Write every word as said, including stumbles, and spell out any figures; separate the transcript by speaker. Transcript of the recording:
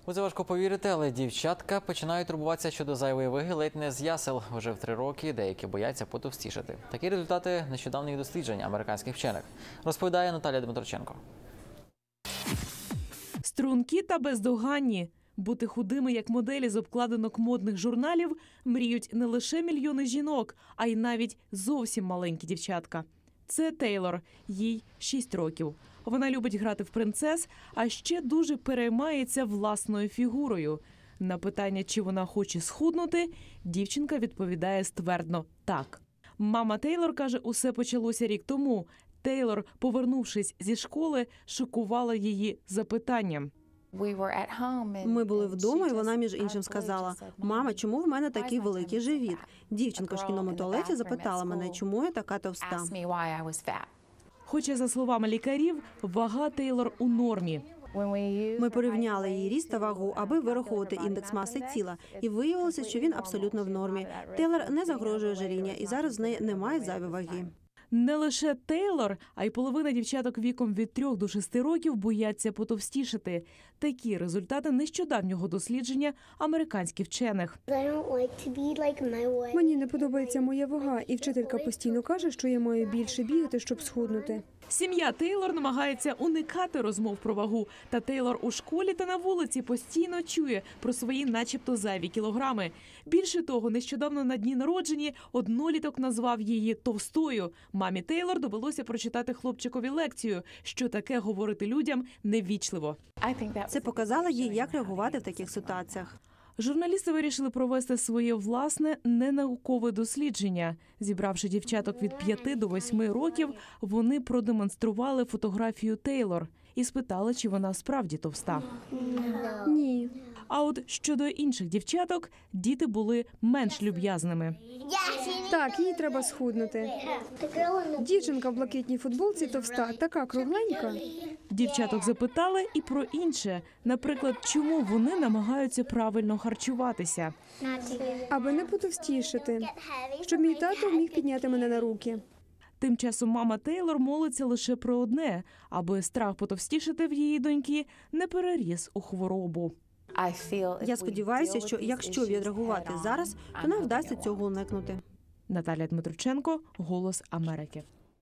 Speaker 1: У це важко повірити, але дівчатка починають турбуватися щодо зайвої ваги ледь не з ясел. Вже в три роки деякі бояться потовстішати. Такі результати нещодавніх досліджень американських вчених. Розповідає Наталія Дмитроченко.
Speaker 2: Стрункі та бездоганні. Бути худими, як моделі з обкладинок модних журналів, мріють не лише мільйони жінок, а й навіть зовсім маленькі дівчатка. Це Тейлор, їй шість років. Вона любить грати в принцес, а ще дуже переймається власною фігурою. На питання, чи вона хоче схуднути, дівчинка відповідає ствердно «так». Мама Тейлор каже, усе почалося рік тому. Тейлор, повернувшись зі школи, шокувала її запитанням.
Speaker 3: Ми були вдома, і вона, між іншим, сказала: «Мама, чому в мене такий великий живіт?» Дівчинка в шкільному туалеті запитала мене, чому я така товста.
Speaker 2: Хоча, за словами лікарів, вага Тейлор у нормі.
Speaker 3: Ми порівняли її ріст та вагу, аби вираховувати індекс маси тіла, і виявилося, що він абсолютно в нормі. Тейлор не загрожує ожиріння, і зараз в неї немає зайвої ваги.
Speaker 2: Не лише Тейлор, а й половина дівчаток віком від трьох до шести років бояться потовстішати. Такі результати нещодавнього дослідження американських вчених.
Speaker 4: Мені не подобається моя вага, і вчителька постійно каже, що я маю більше бігати, щоб схуднути.
Speaker 2: Сім'я Тейлор намагається уникати розмов про вагу. Та Тейлор у школі та на вулиці постійно чує про свої начебто зайві кілограми. Більше того, нещодавно на дні народження одноліток назвав її товстою. Мамі Тейлор довелося прочитати хлопчикові лекцію, що таке говорити людям неввічливо.
Speaker 3: Це показало їй, як реагувати в таких ситуаціях.
Speaker 2: Журналісти вирішили провести своє власне ненаукове дослідження. Зібравши дівчаток від п'яти до восьми років, вони продемонстрували фотографію Тейлор і спитали, чи вона справді товста.
Speaker 4: Ні.
Speaker 2: А от щодо інших дівчаток, діти були менш люб'язними.
Speaker 4: Так, їй треба схуднути. Дівчинка в блакитній футболці товста, така кругленька.
Speaker 2: Дівчаток запитали і про інше. Наприклад, чому вони намагаються правильно харчуватися.
Speaker 4: Аби не потовстішати, щоб мій тато міг підняти мене на руки.
Speaker 2: Тим часом мама Тейлор молиться лише про одне, аби страх потовстішати в її доньки не переріс у хворобу.
Speaker 3: Я сподіваюся, що якщо відреагувати зараз, то нам вдасться цього уникнути.
Speaker 2: Наталія Дмитроченко, «Голос Америки».